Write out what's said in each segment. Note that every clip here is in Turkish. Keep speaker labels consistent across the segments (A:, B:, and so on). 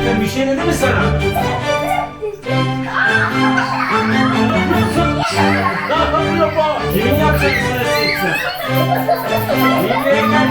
A: Defne bir şey dedi mi sana? Ne yapıyor bu? Kimin yapacak sana seçsin? Yemeğe gel.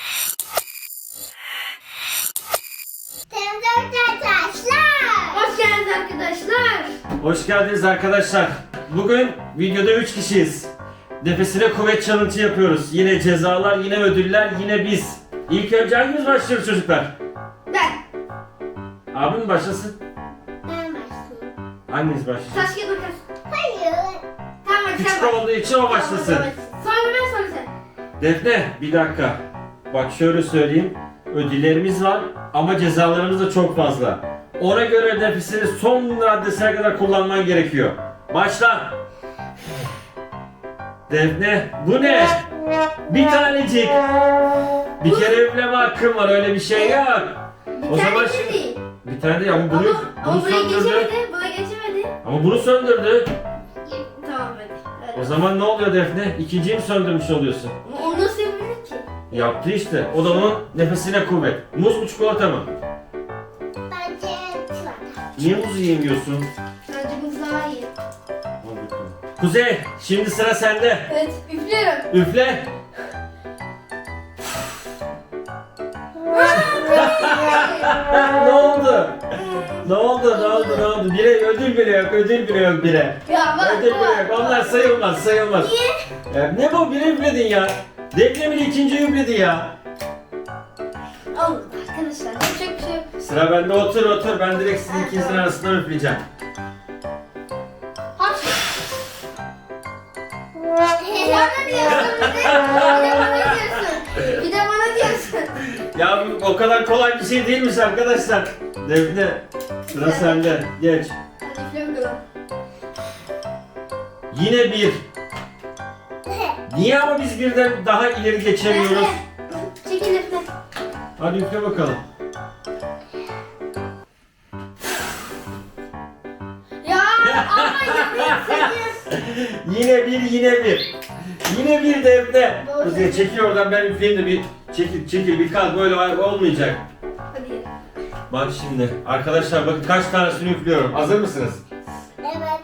B: Hoş geldiniz arkadaşlar.
A: Hoş geldiniz arkadaşlar. Bugün videoda 3 kişiyiz. Nefesine kuvvet challenge yapıyoruz. Yine cezalar, yine ödüller, yine biz. İlk önce hangimiz başlıyoruz çocuklar?
B: Ben.
A: Abim başlasın.
C: Ben başlayayım.
A: Hanginiz başlasın?
B: Taş kağıt makas.
C: Hayır.
B: Tamam hadi sen
A: Küçük
B: başla.
A: olduğu için o başlasın.
B: Tamam, sonra ben sonra sen.
A: Defne bir dakika. Bak şöyle söyleyeyim. Ödüllerimiz var ama cezalarımız da çok fazla. Ona göre nefesini son raddesine kadar kullanman gerekiyor. Başla. Defne bu ne? Bir tanecik. Bir kere üfleme hakkın var, öyle bir şey yok.
B: Bir
A: O zaman
B: tane
A: şimdi-
B: değil.
A: Bir tane de ya bunu
B: Ama buraya
A: söndürdü.
B: geçemedi. Buna geçemedi.
A: Ama bunu söndürdü.
B: Tamam hadi.
A: O
B: Öyle.
A: zaman ne oluyor Defne? İkinciyi mi söndürmüş oluyorsun?
B: Ama onu nasıl yapabilir ki?
A: Yaptı işte. O da onun nefesine kuvvet. Muz mu çikolata mı?
C: Bence çikolata.
A: Niye muzu yemiyorsun?
B: Bence bu daha iyi.
A: Al bakalım. Kuzey, şimdi sıra sende.
B: Evet üflüyorum.
A: Üfle. Ne oldu? Ne oldu? Ne oldu? Ne oldu? Bire ödül bile yok. Ödül bile yok bire.
B: Ya bak
A: Ödül bile yok. Onlar sayılmaz. Sayılmaz.
B: Niye?
A: Ne bu? Bire üfledin ya. Defne bile ikinci üfledi ya.
B: Olur arkadaşlar. Yapacak bir şey yok.
A: Sıra bende. Otur otur. Ben direkt sizin ikinizin arasından üfleyeceğim.
B: Hapşır. Bana diyorsun bir de. Bir de bana diyorsun. Bir de bana diyorsun.
A: Ya bu o kadar kolay bir şey değilmiş arkadaşlar. Defne, sıra sende. Geç.
B: Hadi üfle bakalım.
A: Yine bir. Niye ama biz birden daha ileri geçemiyoruz?
B: Çekil üfle.
A: Hadi üfle bakalım.
B: Ya ama yapıyorsun.
A: Yine bir, yine bir. Yine bir Defne.
B: Doğru.
A: Kuzey çekil oradan, ben üfleyeyim de bir çekil bir kalk, böyle olmayacak.
B: Hadi ye.
A: Bak şimdi arkadaşlar, bakın kaç tanesini üflüyorum. Hazır mısınız?
C: Evet.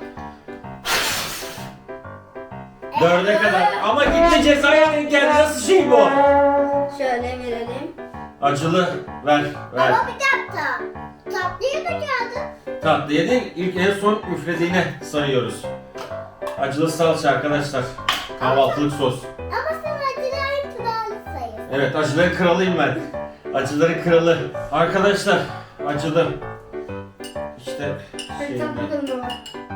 A: 4'e kadar. Ama gitti, cezaya denk geldi. Nasıl şey bu?
B: Şöyle verelim.
A: Acılı ver.
C: Ama bir dakika. Tatlıyı da geldi.
A: Tatlıya değil, ilk en son üflediğine sayıyoruz. Acılı salça arkadaşlar. Kahvaltılık sos.
C: Ama sen acıların kralı sayın.
A: Evet, acıların kralıyım ben. Acıların kralı. Arkadaşlar, acılı. İşte
B: Hadi
A: şey,
B: tat bakalım baba.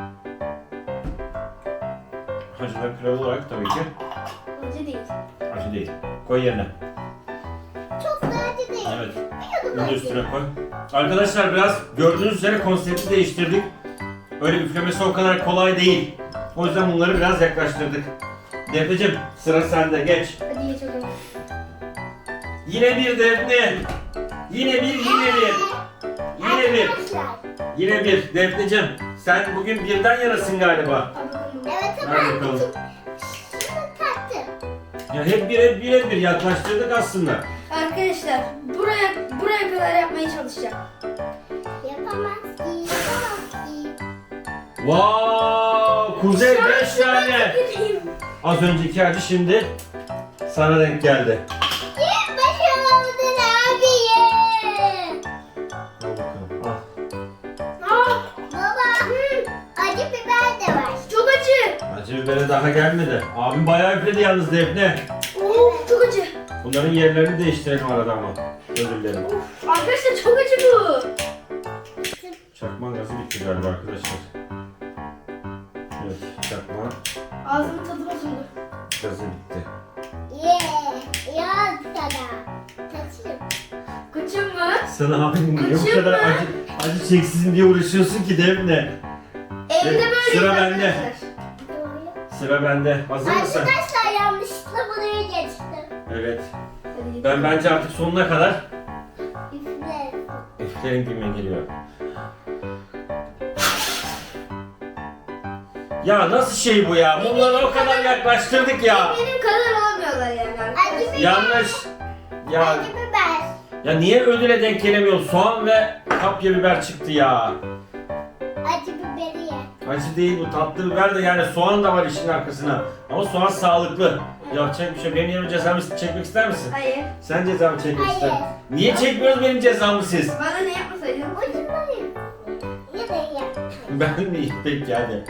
A: acıların kralı olarak tabii ki
B: Acı değil.
A: acı değil. Koy yerine.
C: Çok da acı değil.
A: Evet.
C: Bir yudum
A: Bunu da
C: acı.
A: üstüne koy. Arkadaşlar biraz gördüğünüz üzere konsepti değiştirdik. Öyle üflemesi o kadar kolay değil. O yüzden bunları biraz yaklaştırdık. Defneciğim, sıra sende, geç.
B: Hadi ye çok ama.
A: Yine bir Defne. Yine bir, yine bir. Yine bir.
C: Arkadaşlar.
A: Yine bir. Defneciğim, sen bugün birden yanasın galiba.
B: Al bakalım.
C: Evet ama
A: Ver bakalım.
C: şunu tattım.
A: Ya hep bir yaklaştırdık aslında.
B: Arkadaşlar buraya kadar yapmaya çalışacağım.
C: Yapamaz ki. Yapamaz ki.
A: Wow, Kuzey 5 tane.
B: Gireyim.
A: Az önceki acı şimdi sana denk geldi.
C: Kim başaramadın abi?
A: Al bakalım, al.
B: Aa,
C: Baba. Acı biber de var.
B: çok acı.
A: Acı bibere daha gelmedi. Abim bayağı üfledi yalnız Defne.
B: Çok acı.
A: Bunların yerlerini değiştirelim arada ama. Özür dilerim.
B: Arkadaşlar çok acı bu.
A: Çakma gazı bitti galiba arkadaşlar. Evet, çakma
B: Ağzımın tadı bozuldu.
A: gazı bitti.
C: Ya sana. Tatlım.
B: Kaçın mı?
A: Sen abinin niye bu
B: Kaçıyor
A: kadar
B: mu?
A: acı çeksin diye uğraşıyorsun ki Defne?
B: Evde
A: Evet,
B: böyle
A: sıra bende.
B: arkadaşlar.
A: Sıra bende. Hazır mısın?
C: Arkadaşlar yanlışlıkla buraya geçtim.
A: Evet.
B: Hadi.
A: Ben bence artık sonuna kadar
C: Üfle.
A: üflerin gibime geliyor. Ya nasıl şey bu ya? Bunları o kadar yaklaştırdık ya.
B: Benim kadar olmuyorlar yani arkadaşlar.
C: Acı biber.
A: Yanlış. Ya
C: Acı biber.
A: Ya niye ödüle denk gelemiyor? Soğan ve kapya biber çıktı ya.
C: Acı biberi ye.
A: Acı değil bu, tatlı biber de, yani soğan da var işin arkasına. Ama soğan sağlıklı. Yapacak bir şey. Benim yerime cezamı çekmek ister misin?
B: Hayır.
A: Sen cezamı çekmek
C: Hayır.
A: ister. Niye çekmiyoruz benim cezamı siz?
B: Bana ne yapmasaydın?
C: Ucundan ye. Ya da ye.
A: Ben mi? Peki hadi.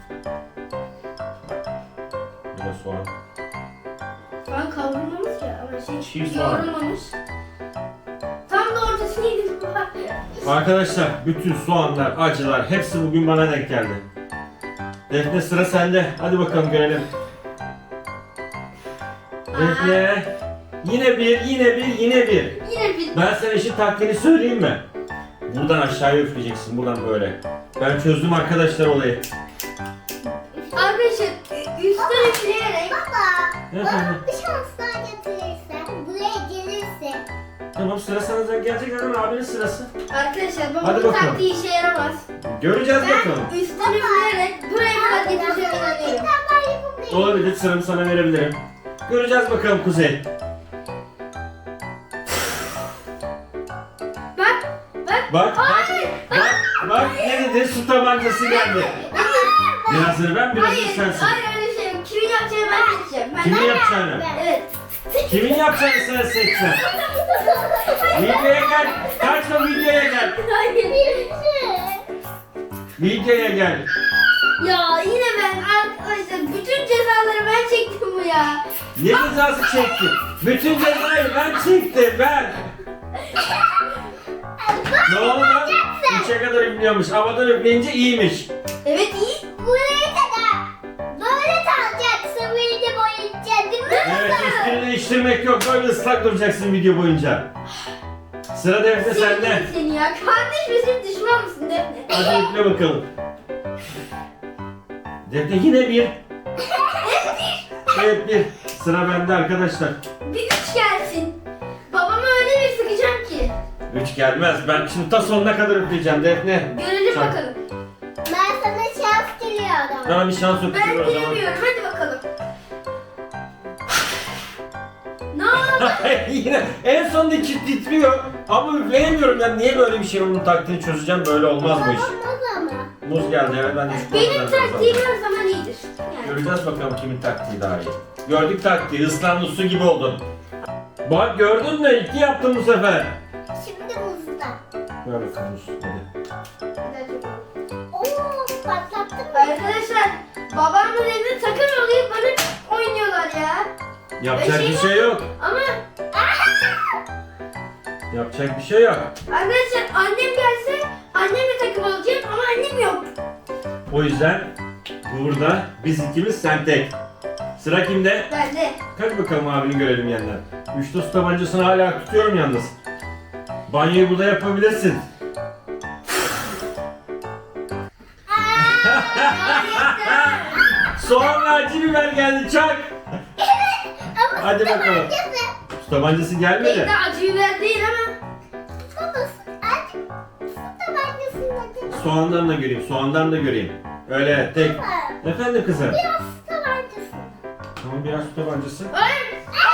A: Bir de soğan.
B: Soğan kavrulmamış ya ama
A: Çiğ soğan.
B: yoğrulmamış. Tam da ortasını yedim.
A: Arkadaşlar bütün soğanlar, acılar hepsi bugün bana denk geldi. Defne sıra sende. Hadi bakalım görelim. Defne. Yine bir.
B: Yine bir.
A: Ben sana işin taktiğini söyleyeyim mi? Buradan aşağıya üfleyeceksin, buradan böyle. Ben çözdüm arkadaşlar olayı.
B: Arkadaşlar üstten üfleyerek.
C: Baba,
A: Efendim?
C: bana bir şans daha getirirsen, buraya gelirse.
A: Tamam, sıra sana gelecek zaten, abinin sırası.
B: Arkadaşlar
A: Hadi
B: babamın
A: bakalım.
B: taktiği işe yaramaz.
A: Göreceğiz
B: Ben
A: bakalım.
B: üstten üfleyerek buraya kadar getireceğim inanıyorum.
C: Ben yapabilirim.
A: Olabilir, sıramı sana verebilirim. Göreceğiz bakalım Kuzey.
B: Bak.
A: Bak, bak ne dedi? Su tabancası geldi. Birazını ben, birazını
B: Hayır,
A: sensin.
B: hayır öyle şey yok. Kimin yapacağını ben seçeceğim.
A: Kimin yapacağını?
B: Evet.
A: Kimin yapacağını sen seçeceksin. Videoya gel. Kaçma, videoya gel.
B: Hayır.
A: Videoya gel.
B: Ya yine ben arkadaşlar bütün cezaları ben çektim bu ya.
A: Ne cezası çektin? Bütün cezayı ben çektim, ben. Ne oldu lan? 3'e kadar üflüyormuş. Havadan üfleyince iyiymiş.
B: Evet iyi.
C: Buraya kadar. Böyle kalacaksın, beni de boyayacağız değil mi?
A: Evet, üstünü değiştirmek yok. Böyle ıslak duracaksın video boyunca. Sıra Defne sende.
B: Sevdim seni ya. Kardeş misin düşman mısın Defne?
A: Hadi üfle bakalım. Defne yine bir. Evet, bir. Sıra bende arkadaşlar.
B: Bir güç gelsin. Babama öyle bir sıkacağım ki.
A: 3 gelmez. Ben şimdi ta sonuna kadar üfleyeceğim Defne.
B: Görelim
A: Sen-
B: bakalım.
C: Ben sana şans diliyorum.
A: Bana bir şans
B: Ben
A: öpücüğü o zaman.
B: bilemiyorum. Hadi bakalım. Ne oldu?
A: Yine en sonunda titriyor ama üfleyemiyorum. Ben niye böyle bir şey, onun taktiğini çözeceğim, böyle olmaz bu iş.
C: Olmaz ama.
A: Muz geldi, evet, ben de üç
B: Benim
A: puan verdim
B: taktiğim
A: zaten.
B: her zaman iyidir. Yani.
A: Göreceğiz bakalım kimin taktiği daha iyi. Gördük taktiği, ıslandı su gibi oldun. Bak gördün mü? 2 yaptın bu sefer.
C: Şimdi muzda.
A: Ver bakalım muz, hadi.
C: Oo, patlattın mı?
B: Arkadaşlar babamın evinde takım oluyor bana oynuyorlar ya.
A: Yapacak
B: Şey
A: bir şey yok.
B: Ama
A: Yapacak bir şey yok.
B: arkadaşlar annem gelse annemle takım olacağım ama annem yok.
A: O yüzden burada biz ikimiz, sen tek. Sıra kimde?
B: Ben de.
A: Hadi bakalım abini görelim yandan. Üçlü su tabancasını hala tutuyorum yalnız. Banyoyu burada yapabilirsin. Soğanla acı biber geldi, çak.
C: Ama
A: Hadi bakalım. Su tabancası gelmedi.
B: Belki de acı biber değil ama.
C: Babası, acı su tabancasında değil mi?
A: Soğandan da göreyim, soğandan da göreyim. Öyle tek. Efendim kızım?
C: Biraz su tabancasında.
A: Tamam, biraz su tabancası.
B: Hayır.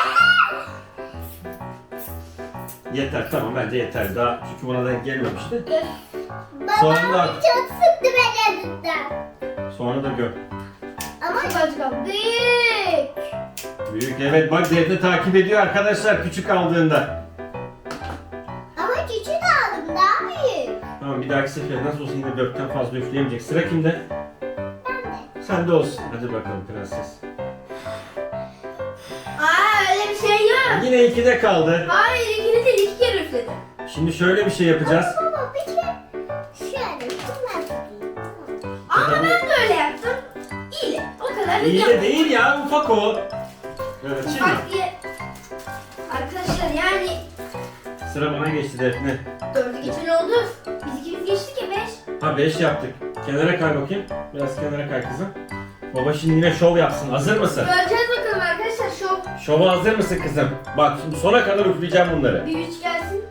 A: Yeter, tamam, bence yeter. Daha çünkü buna denk gelmemişti.
C: Babam
A: da-
C: çok sıktı beni elinden.
A: Sonra da gör.
C: Ama
B: Çok acı kaldı. Büyük.
A: Büyük, evet, bak Defne takip ediyor arkadaşlar küçük aldığında.
C: ama küçük aldım daha büyük.
A: Tamam, bir dahaki sefer nasıl olsa yine 4'ten fazla üfleyemeyecek. Sıra kimde?
C: Ben de.
A: Sende olsun. Hadi bakalım prenses.
B: Öyle bir şey yok.
A: Yine 2'de kaldı.
B: Hayır ikini de 2 kere üfledim.
A: Şimdi şöyle bir şey yapacağız.
C: Baba bir kere şöyle şunlar tutayım.
B: Ama ben de öyle yaptım. İyi. O kadar da
A: İyi de
B: yapmadım.
A: değil ya, ufak o. Evet, şimdi
B: Bak diye. Arkadaşlar yani
A: sıra bana geçti Defne.
B: 4'ü geçen oldu. Biz ikimiz geçtik ya 5.
A: Ha, 5 yaptık. Kenara kay bakayım. Biraz kenara kay kızım. Baba şimdi yine şov yapsın. Hazır mısın?
B: Göreceğiz bakalım arkadaşlar şov.
A: Şova hazır mısın kızım? Bak şimdi sona kadar üfleyeceğim bunları.
B: Bir 3 gelsin.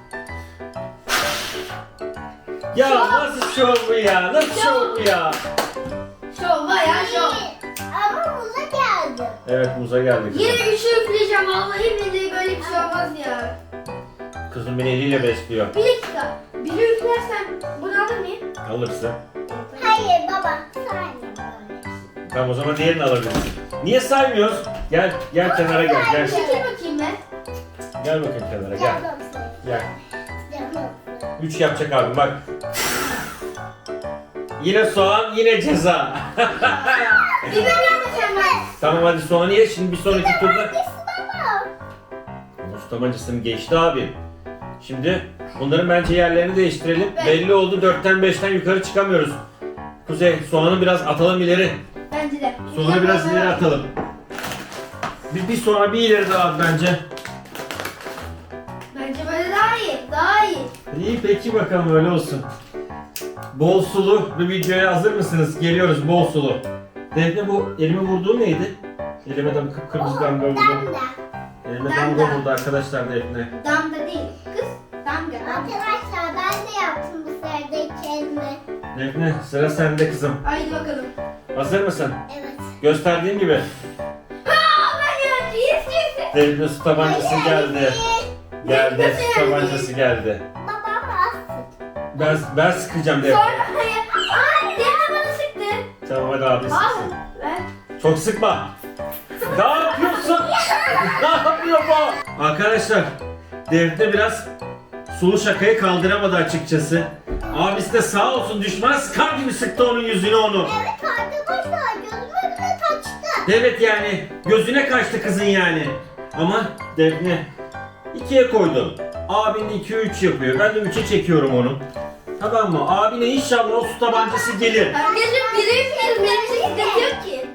A: Ya
B: Şov.
A: nasıl şov bu ya? Nasıl şov bu ya?
B: Şov bayağı şov.
C: Ama muza geldi.
A: Evet, muza geldik.
B: Yine 3'ü üfleyeceğim vallahi billahi böyle bir şey olmaz ya.
A: kızım beni eliyle besliyor.
B: Bir dakika. Biri üflersen bunu alır mıyım?
A: Alırsın.
C: Hayır baba. Saymıyorum böyle.
A: Tamam o zaman diğerini alabilirsin. Niye saymıyoruz? Gel kenara gel. Gel.
B: Çekil bakayım ben.
A: Gel bakayım kenara gel.
C: Canım.
A: Gel.
C: Canım.
A: 3 yapacak abi bak. Yine soğan yine ceza.
B: Biber vermesen ben.
A: Tamam hadi soğanı ye şimdi bir sonraki turda.
C: Hangisi baba?
A: Ustam acısını geçti abi. Şimdi bunların bence yerlerini değiştirelim.
B: Ben-
A: Belli oldu 4'ten 5'ten yukarı çıkamıyoruz. Kuzey soğanı biraz atalım ileri.
B: Bence de.
A: Soğanı biraz ileri atalım. Bir soğanı bir ileri daha at bence.
B: Bence böyle daha iyi. Daha iyi.
A: İyi peki bakalım öyle olsun. Bol sulu bir videoya hazır mısınız? Geliyoruz bol sulu. Defne bu elime vurduğu neydi? Elime de kıpkırmızı damga vurdu.
C: Damla.
A: Elime
B: Damga.
A: damga vurdu arkadaşlar Defne.
B: Damga değil. Kız. Damga.
C: Arkadaşlar ben de yaptım bu sıradaki elimi.
A: Defne sıra sende kızım.
B: Haydi bakalım.
A: Hazır mısın?
C: Evet.
A: Gösterdiğim gibi.
B: Aa ben ya. Yes.
A: Defne su tabancası geldi. Geldi
B: Nasıl
A: su
B: yani?
A: tabancası geldi.
C: Babam bastı.
A: Ben sıkacağım Defne.
B: Sonra hayır. Ay Demir bana sıktı.
A: Tamam hadi abi
B: Al.
A: sıksın.
B: Ver.
A: Çok sıkma. Ne yapıyorsun? Ne yapıyor bu? Arkadaşlar Defne biraz sulu şakayı kaldıramadı açıkçası. Abisi de sağ olsun düşman sıkar gibi sıktı onun yüzüne onu.
C: Evet arkadaşlar gözüme bile kaçtı.
A: Evet yani gözüne kaçtı kızın yani. Ama Defne 2'ye koydu. Abin de 2-3 yapıyor. Ben de 3'e çekiyorum onu. Tamam mı? Abine inşallah o su tabancası gelir.
B: Arkadaşlar biri üfleyelim. Benim için sıkıntı yok ki.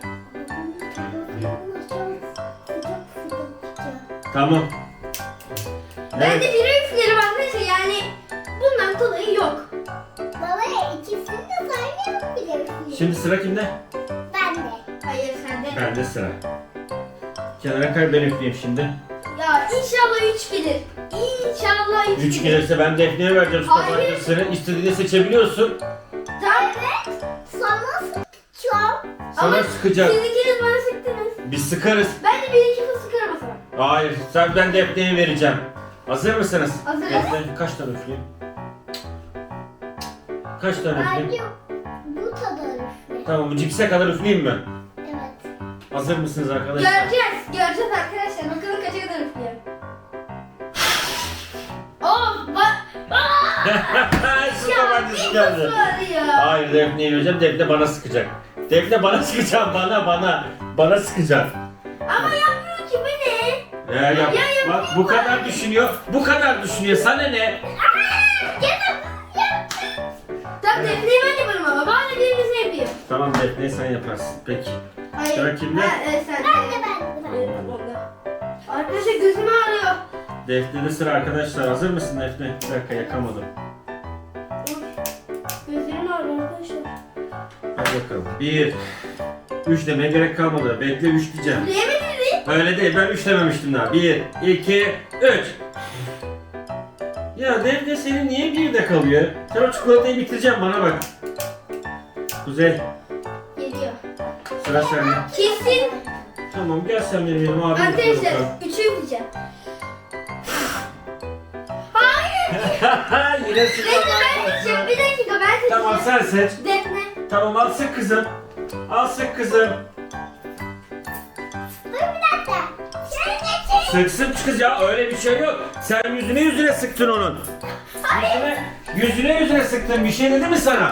A: Tamam.
B: Ben
A: Evet.
B: de biri üfleyelim arkadaşlar. Yani bundan dolayı yok.
C: Baba ikisini de saymayalım bile.
A: Şimdi sıra kimde?
C: Ben de.
B: Hayır sende.
A: Bende sıra. Kenara kay ben üfleyeyim şimdi.
B: Ya inşallah 3 gelir. İnşallah 3
A: 3 gelirse ben Defne'ye vereceğim su
B: Hayır.
A: tabancasını. İstediğini seçebiliyorsun.
B: Tamam.
C: Evet. Sana sıkacağım.
A: Sana
B: Ama
A: sıkacak.
B: siz ikiniz bana sıktınız.
A: Biz sıkarız.
B: Ben de bir iki fıs sıkarım o zaman.
A: Hayır, ben Defne'ye vereceğim. Hazır mısınız?
B: Hazırız.
A: Defne kaç tane üfleyeyim? Kaç tane üfleyeyim?
C: Bence bu kadar üfle.
A: Tamam, cipse kadar üfleyeyim mi?
C: Evet.
A: Hazır mısınız arkadaşlar?
B: Göreceğiz. Göreceğiz arkadaşlar. Bakalım kaça kadar üflüyorum. Oh bak.
A: Su tabancası geldi.
B: Ya.
A: Hayır, Defne'ye vereceğim. Defne bana sıkacak. Defne bana sıkacak, bana. Bana sıkacak.
B: Ama yapmıyor ki bu ne?
A: Yap.
B: Ya,
A: Bak bu kadar düşünüyor. Bu kadar düşünüyor. Sana ne?
B: Tamam Defne'yi ben yaparım ama. Bana birini yapayım.
A: Tamam Defne sen yaparsın. Peki.
B: Hayır.
A: Sıra kimde?
B: Ha, evet sen.
C: Ben de.
B: Evet, onda. Arkadaşlar gözüm ağrıyor.
A: Defne'de sıra arkadaşlar. Hazır mısın Defne? Bir dakika yakamadım.
B: Gözlerim ağrıyor arkadaşlar.
A: Hadi bakalım. 1 3 demeye gerek kalmadı. Bekle 3 diyeceğim.
B: Bilemedin mi?
A: Öyle değil. Ben 3 dememiştim daha. 1 2 3. Ya Defne senin niye 1'de kalıyor? Sen o çikolatayı bitireceğim bana bak. Kuzey
B: Geliyor.
A: sıra sende.
B: Kesin.
A: Tamam gel sen benim yanıma abi.
B: Arkadaşlar 3'ü üfleyeceğim. Hayır.
A: Yine sıra
B: Bekle ben seçeceğim. Bir dakika ben seçeceğim.
A: Tamam sen seç.
B: Defne.
A: Tamam al sık kızım. Al sık kızım.
C: Dur bir dakika. Şöyle
A: Sıksın kız ya öyle bir şey yok. Sen yüzüne sıktın onun. Yüzüne sıktın bir şey dedi mi sana?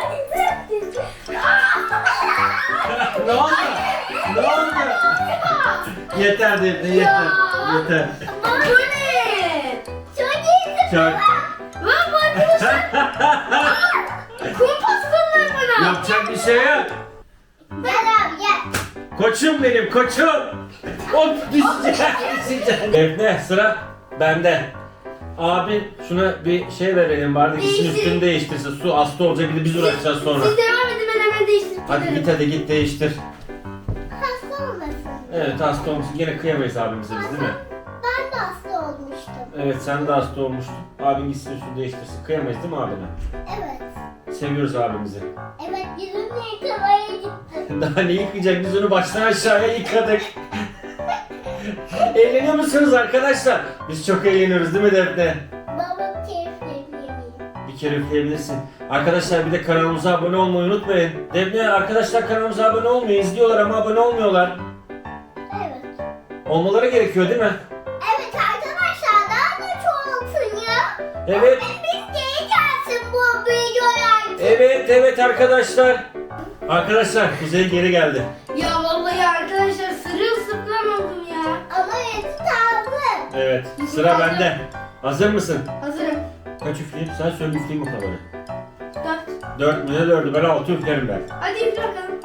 A: Ne oldu? Ne oldu? Yeter Defne yeter. Yeter.
B: Bu ne?
C: Çok iyi.
A: Çok.
B: Lan bu arkadaşlar. Kum paslanlar bana.
A: Yapacak bir şey yok.
C: Gel abi gel.
A: Koçum benim koçum. Hop düşecek. Defne sıra bende. Abi şuna bir şey verelim bari gitsin
B: Değiştir.
A: üstünü değiştirsin. Su hasta olacak bir de biz uğraşacağız sonra.
B: Siz devam edin ben hemen değiştirip
A: Hadi
B: gelirim.
A: git hadi git değiştir.
C: Hasta olmasın.
A: Evet hasta olmuşsun. Gene kıyamayız abimize biz değil mi?
C: Ben de hasta olmuştum.
A: Evet sen de hasta olmuştun. Abin gitsin üstünü değiştirsin. Kıyamayız değil mi abine?
C: Evet.
A: Seviyoruz abimizi.
C: Evet yüzümle yıkamaya gittim.
A: Daha ne yıkayacak? Biz onu baştan aşağıya yıkadık. Eğleniyor musunuz arkadaşlar? Biz çok eğleniyoruz değil mi Defne? bir kere üfleyebilirsin. Arkadaşlar bir de kanalımıza abone olmayı unutmayın. Defne arkadaşlar kanalımıza abone olmuyor. İzliyorlar ama abone olmuyorlar.
C: Evet.
A: Olmaları gerekiyor değil mi?
C: Evet arkadaşlar daha da çoğaltın ya.
A: Evet.
C: Biz geri gelsin bu videolar.
A: Evet arkadaşlar. Arkadaşlar Kuzey geri geldi.
B: Ya vallahi arkadaşlar sırılsıklam oldum ya.
C: Ama eti tarzı.
A: Evet sıra bende. Hazır mısın?
B: Hazırım.
A: Kaç üfleyeyim? Sen söyle üfleyeyim bakalım.
B: 4.
A: 4 mü ne 4'ü? Ben 6 üflerim ben.
B: Hadi üfle bakalım.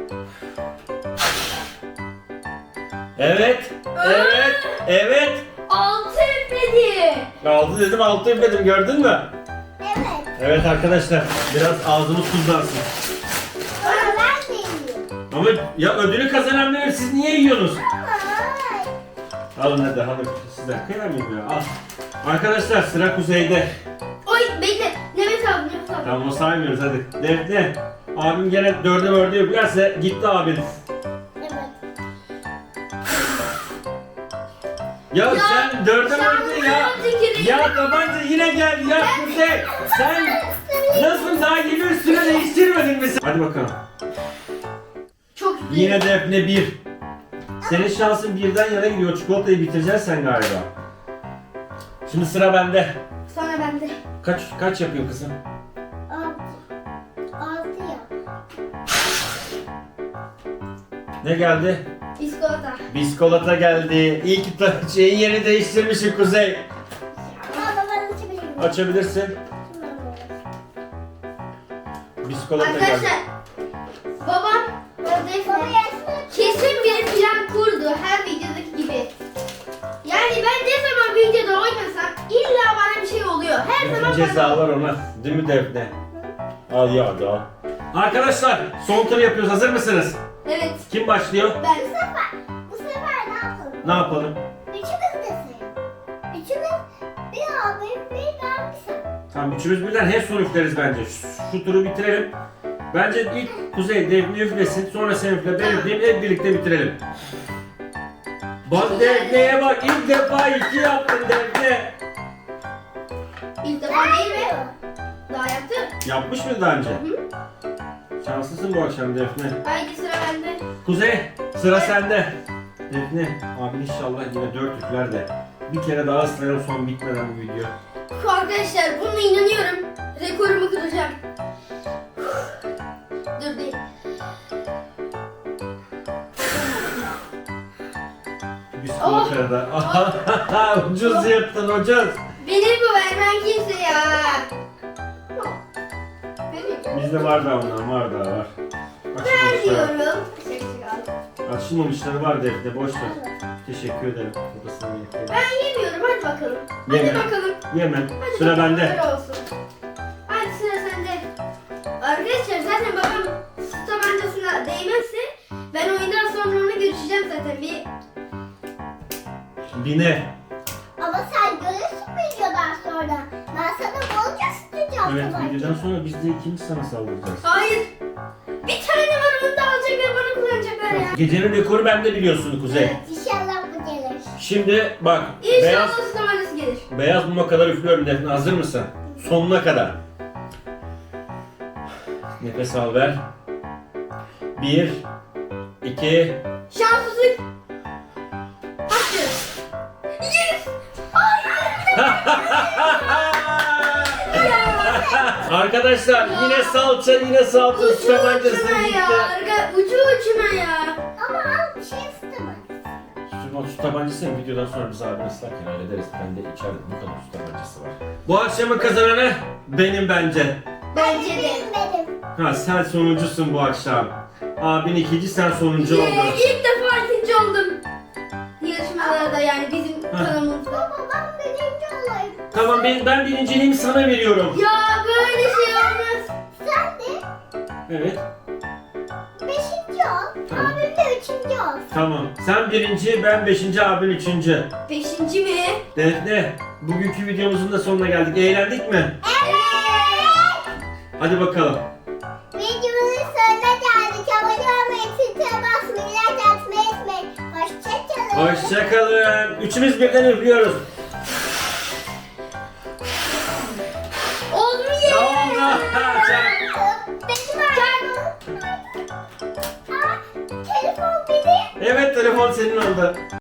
A: Evet.
B: 6 üfledi.
A: 6 dedim 6 üfledim gördün mü?
C: Evet.
A: Evet arkadaşlar biraz ağzımız tuzlansın.
C: Ama ben de yiyeyim.
A: Ama ya ödülü kazananları siz niye yiyorsunuz?
C: Ay.
A: Alın hadi alın. Sizden kıyamıyorum ya. Al. Arkadaşlar sıra Kuzey'de.
B: Oy bekle. Nefes al nefes al.
A: Tamam o saymıyoruz hadi. Defne. Abim gene 4'e 4'e üflerse gitti abin.
C: Evet.
A: Ya,
B: Ya,
A: sen 4'e 4'e ya.
B: tüküreyim.
A: Ya tabanca yine geldi ya Kuzey. Sen nasıl daha yeni üstüne değiştirmedin mi sen? Hadi bakalım.
B: Çok üfledi.
A: Yine Defne 1. Senin şansın birden yana gidiyor. Çikolatayı bitireceksin sen galiba. Şimdi sıra bende.
B: Sonra bende.
A: Kaç yapıyor kızım?
C: 6 yap.
A: Ne geldi?
B: Biskolata.
A: Biskolata geldi. İyi ki şeyin yerini değiştirmişsin Kuzey.
C: Ama ben açabilirim.
A: Açabilirsin. Biskolata geldi.
B: Arkadaşlar babam Defne kesin bir plan kurdu her videodaki gibi. Yani ben ne zaman videoda oynasam illa bana bir şey oluyor. Her
A: Bütün
B: zaman
A: cezalar ona. Değil mi Defne? Al ya hadi al. Arkadaşlar son tur yapıyoruz. Hazır mısınız?
B: Evet.
A: Kim başlıyor?
B: Ben
C: Bu sefer ne yapalım?
A: Ne yapalım?
C: Üçümüz de sayın. Üçümüz bir abim bir ben bir sen.
A: Tamam üçümüz birden hep son üfleriz bence. Şu turu bitirelim. Bence ilk Kuzey Defne üflesin. Sonra sen üfle ben üfleyeyim. Hep birlikte bitirelim. Bak Defne'ye bak. İlk defa 2 yaptın Defne.
B: ilk defa değil mi? Daha yaptım.
A: Yapmış mı daha önce? Şanslısın bu akşam Defne.
B: Haydi sıra bende.
A: Kuzey sıra sende. Defne abi inşallah yine 4 üfler de. Bir kere daha ıslayalım son bitmeden bu video.
B: Arkadaşlar buna inanıyorum. Rekorumu kıracağım. Dur değil.
A: Biskolata da. Ucuz yırttın ucuz.
B: Benim bu vermen kimse ya. Benim.
A: Bizde var da ondan var da var.
B: Ver
A: Açılmamışlar.
B: diyorum.
A: Açılmamışları var Defne boş ver. Teşekkür ederim. Babasına yeter.
B: Ben yemiyorum hadi bakalım.
A: Yeme.
B: Hadi bakalım.
A: Yemem.
B: Hadi
A: Sıra
B: bakalım,
A: bende.
B: öyle olsun. Hadi sıra sende. Arkadaşlar zaten babam su tabancasına değmezse ben oyundan sonra onu görüşeceğim zaten bir.
A: Bine.
C: Ama sen görürsün videodan sonra. Ben sana bolca sıkacağım.
A: Evet
C: tabanca.
A: videodan sonra biz de ikinci sana saldıracağız.
B: Hayır. Bir tane var onu da alacaklar bana kullanacaklar ya.
A: Gecenin rekoru bende biliyorsun Kuzey.
B: Evet.
C: İnşallah bu gelir.
A: Şimdi bak
B: İnşallah
A: beyaz
B: su tabancası gelir.
A: beyaz muma kadar üflüyorum Defne. Hazır mısın? Sonuna kadar. Nefes al ver. 1 2
B: Şanssızlık. Hadi. Yes. Hayır.
A: Arkadaşlar yine salça yine salça
B: Ucu
A: su tabancası
B: ucuna
A: gitti.
B: ya. Ucu ucuna ya.
C: Ama al bir şey ısıtma.
A: Su tabancasını videodan sonra biz abi ıslarken hallederiz. Ben de içeride bu kadar su tabancası var. Bu akşamın kazananı benim bence.
B: Bence de.
C: Benim.
A: Ha sen sonuncusun bu akşam. Abin ikinci sen sonuncu oldun.
B: İlk defa ikinci oldum. Yarışmalarda yani bizim kanalımızda.
C: Baba ben birinci olayım.
A: Tamam ben birinciliğimi sana veriyorum.
B: Ya böyle şey olmaz.
C: Sen de
A: Evet.
C: beşinci ol.
A: Tamam.
C: Abim de üçüncü ol.
A: Tamam. Sen birinci, ben beşinci, abin üçüncü.
B: Beşinci mi?
A: Defne, bugünkü videomuzun da sonuna geldik. Eğlendik mi?
C: Evet.
A: Hadi bakalım.
C: Videomuzun sonuna geldik. Abone olmayı, tütüye basmayı, like atmayı unutmayın. Hoşçakalın.
A: Hoşçakalın. Üçümüz birden üflüyoruz.
B: Olmuyor.
C: Benim telefon benim.
A: Evet telefon senin oldu.